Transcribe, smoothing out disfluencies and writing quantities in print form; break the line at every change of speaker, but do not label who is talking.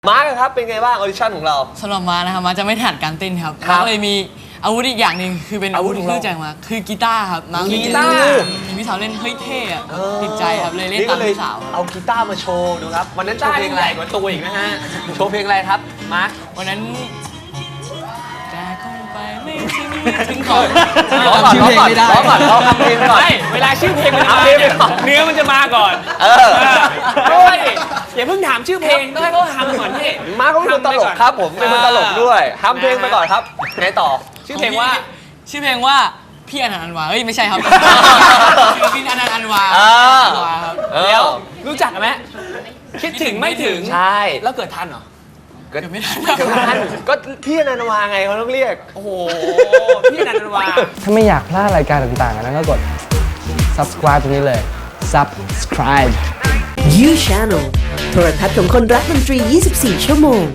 มาร์คครับเป็นไงบ้างออดิชั่นของเรา
สำหรับมานะครับมาจะไม่ถนัดการเต้นครับมาเลยมีอาวุธอีกอย่างหนึ่งคือเป็นอาวุธที่รู้จักมาคือกีตาร์ครับ
กีตาร์
พี่สาวเล่นเฮ้ยเท่อะติดใจครับเลยเล่นตามพี่สาว
เอากีตาร์มาโชว์ดูครับวันนั้นโชว์เพลงอะไรกว่าตัวอีกนะฮะโชว์เพลงอะไรครับมาร์ค
วันนั้นแต่คงไปไม่ถึงก่อน
ร้องก่อนร้องคำเพลงก่อน
ไม่เวลาชื่อเพลงมันมาเนื้อมันจะมาก่อนอย่าเพิ่งถามชื่อเพลงต้องให้เขาทำก่อนพี่
มาร์คเขาเป็นคนตลกครับผมเป็นคนตลกด้วยทำเพลงไปก่อนครับไงต่อ
ชื่อเพลงว่าพี่อนันต์อันวาเฮ้ยไม่ใช่ครับพี่อนันต์อันวา
ครับแล้วรู้จักไหมคิดถึงไม่ถึง
ใช่
แล้วเกิดทันเหรอ
เกิดไม่ทัน
ก็พี่อนันต์อันวาไงเขาต้องเรียก
โอ้โหพี่อนันต์อันวา
ถ้าไม่อยากพลาดรายการต่างๆนั้นก็กด subscribe ตรงนี้เลย subscribe
You Channel โทรทัศน์ของคนรักดนตรี 24 ชั่วโมง